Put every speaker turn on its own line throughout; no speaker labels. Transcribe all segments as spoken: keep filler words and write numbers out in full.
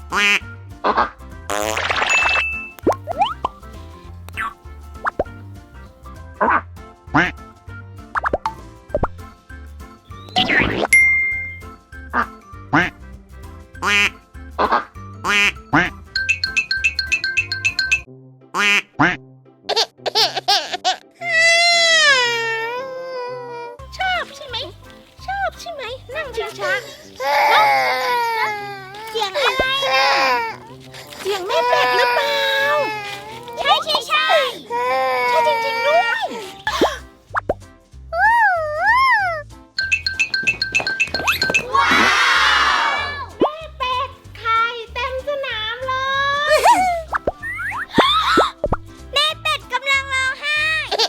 ชอบใช่ไหมชอบใช่ไหมนั่งชิงช้าเสียงอะไรนะเสียงแม่เป็ดหรือเปล่าใช่ใช่ใช่ใช่จริงๆด้วยว้าวแม่เป็ดไข่เต็มสนามเลยแม่เป็ดกำลังร้องไห้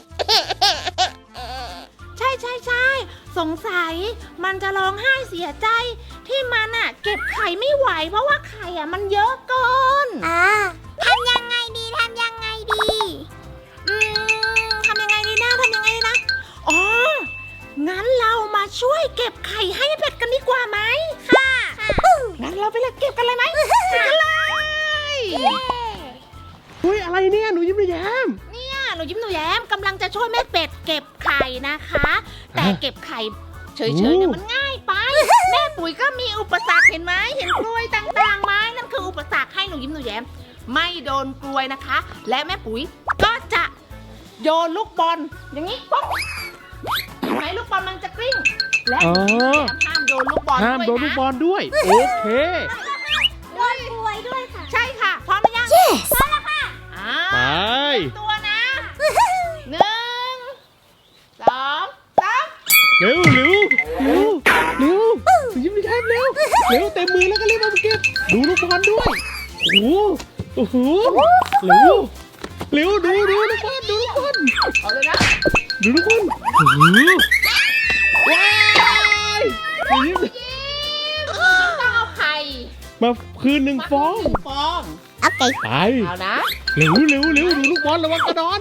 ใช่ใช่ใช่สงสัยมันจะร้องไห้เสียใจที่มันอ่ะเก็บไข่ไม่ไหวเพราะว่าไข่อ่ะมันเยอะเกินอ่าทำยังไงดีทำยังไงดีอืมทำยังไงดีนะทำยังไงดีนะอ๋องั้นเรามาช่วยเก็บไข่ให้เป็ดกันดีกว่าไหมค่ะงั้นเราไปเลยเก็บกันเลยไหมไปกันเลย
อุ้ยอะไรเนี่ยหนูยิ้มหนูแย้ม
เนี่ยหนูยิ้มหนูแย้มกำลังจะช่วยแม่เป็ดเก็บไข่นะคะแต่เก็บไข่เฉยๆเนี่ยมันง่ายไปแม่ปุ๋ยก็มีอุปสรรคเห็นไหมเห็นกล้วยต่างๆไหมนั่นคืออุปสรรคให้หนูยิ้มหนูแย้มไม่โดนกล้วยนะคะและแม่ปุ๋ยก็จะโยนลูกบอลอย่างนี้ปุ๊บไหนลูกบอลมันจะกลิ้งและหนูยิ้มหนูแย้มห้ามโดนลูกบอลด้วยนะ
ห้ามโดนลูกบอลด้วยโอเค
โดนกล้วยด้วยค่ะใช่ค่ะพร้อมไหมยัง yes พร้อมแล้วค่ะ
ไป
ตัวนะหนึ่งสองสาม
เร็วเร็วเร็วเร็วยิ้มไม่ใช่เร็วเร็วเต็มมือแล้วก็รีบมาเก็บดูลูกบอลด้วยโอ้โหโอ้โหเร็วเร็วดูดูลูกบอลดูลูกบอล
เอาเลยนะ
ดูลูกบอลโอ้โหว้ายยิ้ม
ต้องเอาไข่
มาคืนหนึ่งฟอง
หนึ่งฟอง
โอเคไป
เอานะ
เร็วเร็วเร็วดูลูกบอลระวังกระดอน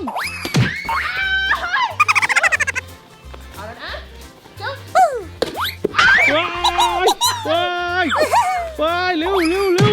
เอาแล้วนะจุ๊บ
ว้ายว้ายว้ายเร็วเร็วเร็ว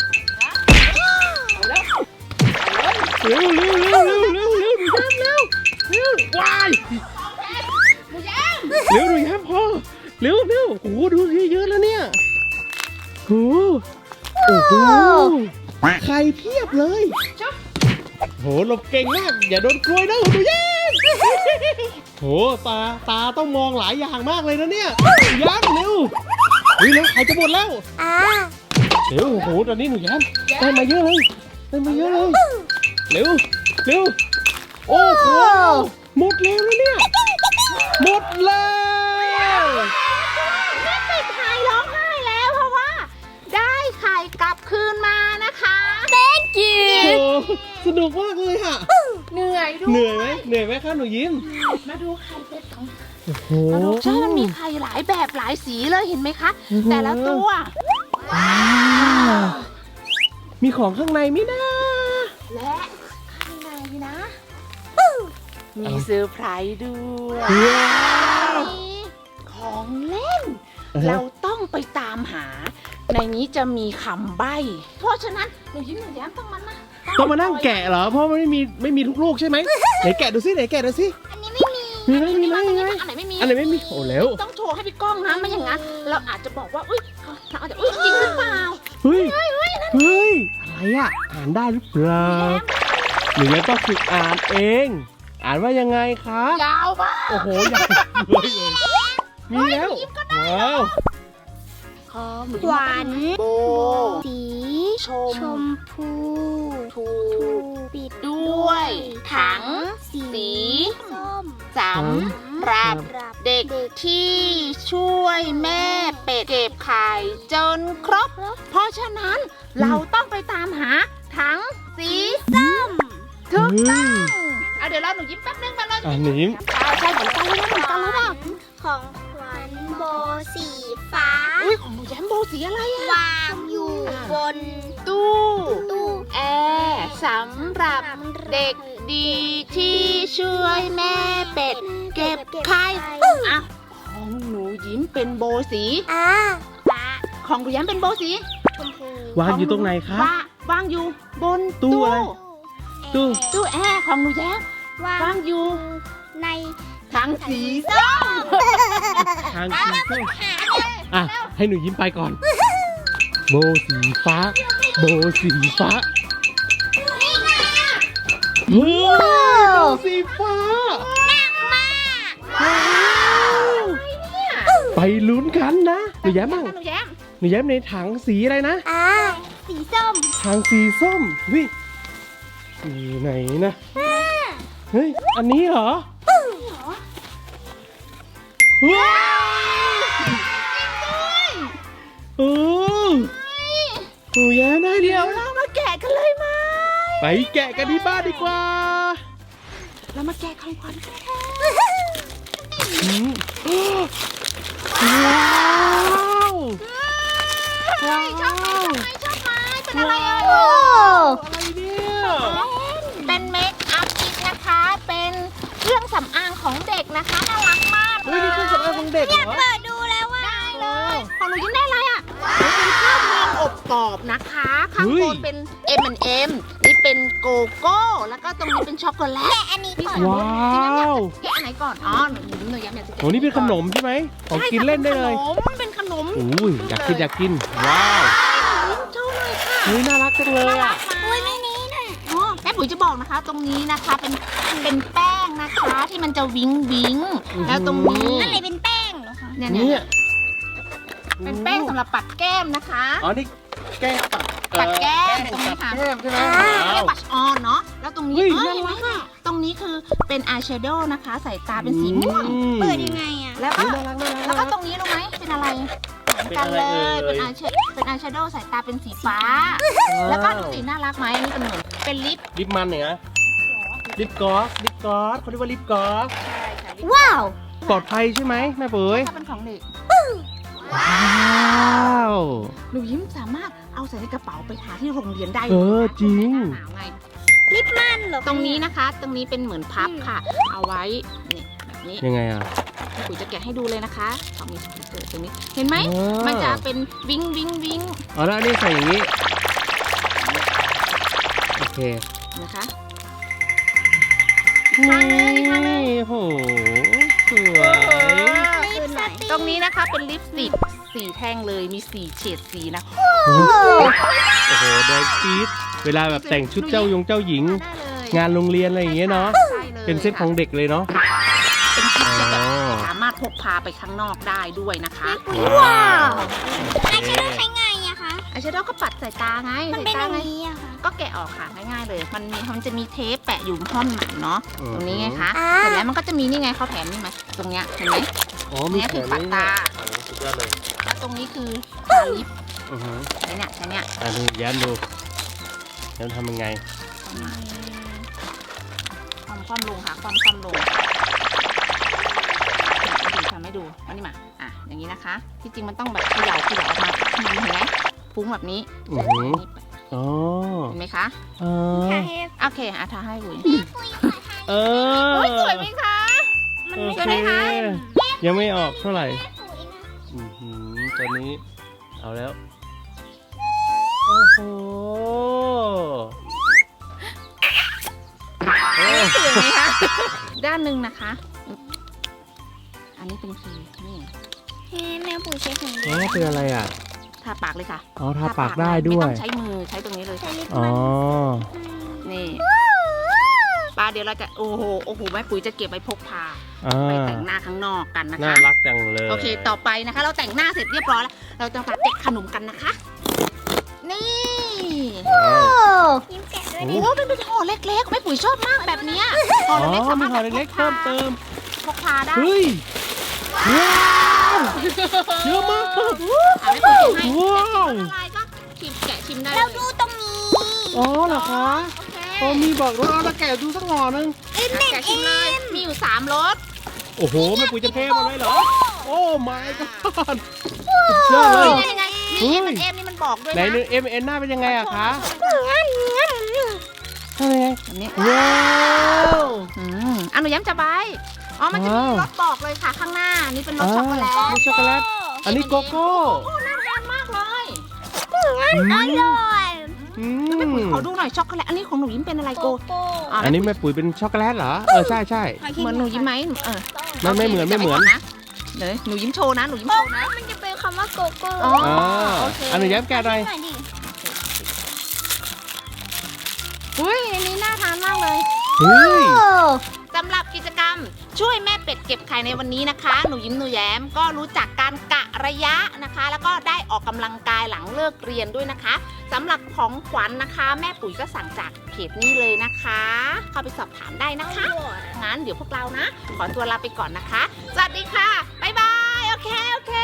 เอาแล้ว
เร็วเร็วเร็วเร็วเร็วเร็วดูแย้มเร็วเร็วว้าย
หนูแย้ม
เร็วดูแย้มพอเร็วเร็วโอ้โหดูเยอะแล้วเนี่ยโอ้โหไข่เพียบเลยโหหลบเก่งมากอย่าโดนกล้วยนะดูแย้มโหตาตาต้องมองหลายอย่างมากเลยนะเนี่ยย้ำเร็วเฮ้ยเร็วไข่จะหมดแล้วเร็วโหตอนนี้หนูแย้มได้มาเยอะเลยได้มาเยอะเลยเร็วเร็วโอ้โหหมดแล้วนะเนี่ยหมดแล้ว
แม่เป็ดไข่ร้องไห้แล้วเพราะว่าได้ไข่กลับคืนมานะคะ thank you
สนุกมากเลยค่ะ
เหนื่อยด้วย
เหนื่อยไหมเหนื่อยไหมคะหนูยิ้ม
มาดูไข่เป็ดของ
โอ้โห
มาดูใช่มันมีไข่หลายแบบหลายสีเลยเห็นไหมคะแต่ละตัว
ว้าวมีของข้างในมินะ
และข้างในนะมีเซอร์ไพรส์ด้วยของเล่นเราต้องไปตามหาในนี้จะมีคำใบ้เพราะฉะนั้นหนูยิ้มหนูแย้มต้องมานะ
ต้องมานั่งแกะเหรอเพราะมันไม่มีไม่มีทุกลูกใช่ไหมไหนแกะดูซิไหนแกะดูซิ
อันนี้ไม่มี
มีไหมมีไหมมีไหม
อันไหนไม่มี
อันไหนไม่มีโอ้แล้ว
ต้องโชว์ให้พี่ก้องนะไม่อย่างนั้นเราอาจจะบอกว่าอุ้ยเราอาจจะอุ้ยจริงหรือเปล่า
เฮ้ยเฮ้ยอะไรอ่ะอ่านได้หรือเปล่าหรือแล้วต้องฝึกอ่านเองอ่านว่ายังไงคะ
ยาวมาก
โอ้โหยาวเลยมีแล้วว้าว
ขวัญโบสีชมพูถูปิดด้วยถังสีส้มสำหรับเด็กที่ช่วยแม่เป็ดเก็บไข่จนครบเพราะฉะนั้นเราต้องไปตามหาถังสีส้มถูกต้องเอาเดี๋ยวเราหนูยิ้มแป๊บนึงมาเลย
หนูยิ้ม
ใช่เหมือนกันเลยเหมือนกันแล้วนะ
ของขวัญโบสีฟ้า
อุ้ยของหนูแย้มโบสีอะไรอะ
วางอยู่บน
ตู้ตู้แอร์สำหรับเด็กดีที่ช่วยแม่เป็ดเก็บไข่อ่ะของหนูยิ้มเป็นโบสี
อ่า
ของหนูแย้มเป็นโบสี
ชมพู
วางอยู่ตรงไหนคะ
วางวางอยู่บน
ตู้อะไร ตู้
ตู้แอร์ของหนูแย้ม
วาง
วางอยู่
ใน
ถังสีส้ม
ทางสีส้มอ่ะ ให้หนูยิ้มไปก่อน โบสีฟ้า โบสีฟ้าเฮ้ยโบสีฟ้าว้าวไปลุ้นกันนะหนูแย้มบ้าง
หนูแย้ม
หนูแย้มในถังสีอะไรนะ
อ่าสีส้ม
ถังสีส้มเฮ้ยอยู่ไหนนะเฮ้ยอันนี้เหรอว้าวโอ้หนูแย้มได้เดียว
เรามาแกะกันเลยไหม
ไปแกะกันที่บ้านดีกว่า
เรามาแกะของขวัญกันค่ะ
อืมว้าวว้าว
ชอบไหมชอบไหมเป็นอะไรเอ่ย
อะไรเนี่ย
เป็นเมคอัพคิดนะคะ เป็นเครื่องสำอางของเด็กนะคะ น่ารักมากเล
เฮ้ย
ย
นี่เครื่องสำอางของเด็กเหรอ
เปิดดูแล้วว่า
ได้เลย ของหนูยิ้มได้อะไรอ่ะเป็นข้าวเมืองอบกรอบนะคะ ข้างบนเป็น เอ็ม แอนด์ เอ็ม นี่เป็นโกโก้ แล้วก็ตรงนี้เป็นช็อกโกแลต
แกะอันนี้ก่อน
ว้าว
แกะอันไหนก่อน อ๋อ หนูยิ้มหนูย้ำอยากจะแกะ
โหนี่เป็นขนมใช่ไหมของกินเล่นได้เลย
ใช่ค่ะเป็นขนม
อุ้ยอยากกินอยากกิน ว้าว
โชว์หน่อยค่ะ
เฮ้ยน่ารักจังเลยอ่ะ
อุ้ยไม่นี้น่ะ
อ๋อแม่ปุ๋ยจะบอกนะคะ ตรงนี้นะคะเป็นเป็นแป้งนะคะที่มันจะวิงวิง
อื้อหือ
แล้วตรงนี้
อะไรเป็นแป้งเหรอคะ
เนี่ย
เนี่
เนี่ย ยเป็นแป้งสำหรับปัดแก้มนะคะ
อ๋อนี่แก้มปัด
ปัดแก้ม
เอ่อ
ตรงนี้ค่ะ
ปัดแก้มใช่ไหม
เรียกบัชออนเนาะแล้วตรงนี้
เฮ้ย
เอ้ย
น่ารัก
เห็นไหมคะตรงนี้คือเป็นอายแชโดว์นะคะใส่ตาเป็นสีม่วง
อืม
เปิดยังไงอ่ะ
แล้วก็
เฮ้ยน่ารักน่ารัก
แล้วก็ตรงนี้รู้ไหมเป็นอะไรเหมือนกันเลย
เป็
เป็น
นอะไรเอ่ย
อายแชเป็นอายแชโดว์ใส่ตาเป็นสีฟ้า แล้วก็ดูสีน่ารักไหมอันนี้เป็นเหมือนเป็นลิป
ลิปมันเนี่ยนะลิปกอสลิปกอสเขาเรียกว่าลิปกอส
ใช่ค่ะลิป
ว้าว
ปลอดภัยใช่ไหมแม่ปุ๋ย
ถ้าเป็นของเด็ก
ว้าว
หนูยิ้มสามารถเอาใส่ในกระเป๋าไปหาที่โรงเรียนได้
เออจริง
หนาวไง
ลิปมันเหรอ
ตรงนี้นะคะ ตรงนี้เป็นเหมือนพับค่ะ เอาไว้นี่แบบนี้
ยังไงอ่ะ
พี่ปุ๋ยจะแกะให้ดูเลยนะคะเขามีสติกเกอร์ตรงนี้เห็นไหม
อ๋อ
มันจะเป็นวิงวิงวิง
อ๋อแล้วอันนี้ใส่อย่างนี้โอเค
นะคะ
นี่โหสวย
ลิปสติก
ตรงนี้นะคะเป็นลิปสติกสีแท่งเลยมีสีเฉดสีนะ
โอ้โหแดงปี๊ดเวลาแบบแต่งชุดเจ้ายงเจ้าหญิง
ได้เลย
งานโรงเรียนอะไรอย่างเงี้ยเนาะ
ใช่เลย
เป็นเซตของเด็กเลยเนาะ
เป็นชุดที่แบบ
อ๋อ
สามารถพกพาไปข้างนอกได้ด้วยนะคะ
ว้าว
โอ
ไอ
เค
แชโดว์ใช้ไงอะคะ
อายแชโดว์ก็ปัดใส่ตาไง
มัน
ใส่
เป็นอ
ตา
ย่าง
ไง
นี้อะค่ะ
ก็แกะออกค่ะง่ายๆเลย มันมีมันจะมีเทปแปะอยู่ท่อนหนังเนาะ
อืม
ตรงนี้ไงคะ
อ่า
เสร็จแล้วมันก็จะมีนี่ไงเขาแถมนี่ไหมตรงเนี้ยเห็นไหม
อ๋อมี
เนี่ยคือปัดตา
โอ้สุดยอดเลย
แล้วตรงนี้คือทาลิป
อือฮึ
ใช้เนี่ยใช้เนี่ย
อ่ะดูแย้มดูแย้มทำยังไง
ความความลงค่ะความความลงดูทำให้ดูอันนี้มาอ่ะอย่างนี้นะคะ ที่จริงมันต้องแบบเขย่าเขย่าออกมาเห็นไหมฟุ้งแบบนี้
อือหือ
นี่
อ๋อ
เห็นไหมคะ
เออ
โอเคอ่ะทาให้บุ๋ย
เออ
โอ้ยสวยไหมคะ
มัน
โอ
ไม่
เค
สวยไหมคะ
ยังไม่ออกเท่าไหร่
สวยนะ
อือหือตอนนี้เอาแล้ว โอ้โหโอ้
สวยไหมคะ ด้านหนึ่งนะคะ อันนี้เป็นครีมนี่
เฮ้แมวปุ๋ยใช้ถุง
โอ้เป็นอะไรอ่ะ
ทาปากเลยค่ะ
อ๋อทาปากได้ด้วย
ไม่ต้องใช้มือใช้ตรงนี้เลย
ใช้ลิป
อ๋อ
มัน
นี่ป้าเดี๋ยวเราจะโอ้โหโอ้โหแม่ปุ๋ยจะเก็บไว้พกพา
อ่า
ไปแต่งหน้าข้างนอกกันนะ
น่า
คะ
รักจังเลย
โอเค ต่อไปนะคะ เราแต่งหน้าเสร็จเรียบร้อยแล้ว เราจะมาแกะขนมกันนะคะ นี่
ว้าว
ยิ้มแกะด้วย
โอ้
ดิ
โหเป็นเป็นห่อเล็กๆแม่ปุ๋ยชอบมากแบบเนี้ยห่
อ๋
อ
อ
เล็กๆสา
มี
มารถ
ห่อเล็กๆเพิ่มเติม
พกพาได้
เฮ้ย ว้าวเยอะมาก
อ่ะแม่ปุ๋ยให้
ว้าว
อะไรก็ชิมแกะชิมได้เล
เรา
ย
ดูตรงนี้
อ๋อเหรอคะ
โอเค
โอ้มีบอกด้วยเอาตะแกะดูสักห่อนึง
เอ็ม
แกะชิมเลย มีอยู่สามรส
โอ้โหแม่ปุ๋ยจะเทหมดเลยเหรอ โอ้ my god สุดยอดเลย
นี่ไงมีเอ็มเอ็มนี่มันบอกด้วย
ไหน
นะ
นึง เอ็ม เอ็น หน้าเป็นยังไงอะคะ
งั้นงั้น
ทำยังไง
แบบนี้
ว้าว
อืมอ่ะหนูย้ำจะใบอ๋อ มันจะมี
ว้าว
รสบอกเลยค่ะข้างหน้า นี่เป็นรสช็อกโกแลต
มีช็อกโกแลต อันนี้โกโก้
โอ้น่าทานมากเลย
งั้อร่อย
อื
แม่ปุ๋ย
ม
ขอดูหน่อยช็อกโกแลตอันนี้ของหนูยิ้มเป็นอะไร
โก
โก
โก้
อ่ะ
อันนี้แม่ปุ๋ยเป็นช็อกโกแลตเหรอ เออใช่ใช่
เหมือนหนูยิ้มไหมเออ
ไม่ไม่เหมือนไม่เหมือน
นะเดี๋ยวหนูยิ้มโชว์นะหนูยิ้มโชว์นะ
มันจะเป็นคำว่าโกโก้
อ๋อ
อ่า
โอเค
อันนี้แย้มแกะหน่อย
หน่อยดิ
อุ้ยอันนี้น่าทานมากเลย
เฮ้ย
สำหรับกิจกรรมช่วยแม่เป็ดเก็บไข่ในวันนี้นะคะ หนูยิ้มหนูแย้มก็รู้จักการกะระยะนะคะ แล้วก็ได้ออกกำลังกายหลังเลิกเรียนด้วยนะคะสำหรับของขวัญนะคะ แม่ปุ๋ยก็สั่งจากเพจนี้เลยนะคะ เข้าไปสอบถามได้นะคะงั้นเดี๋ยวพวกเรานะ ขอตัวลาไปก่อนนะคะ สวัสดีค่ะ บ๊ายบาย โอเค โอเค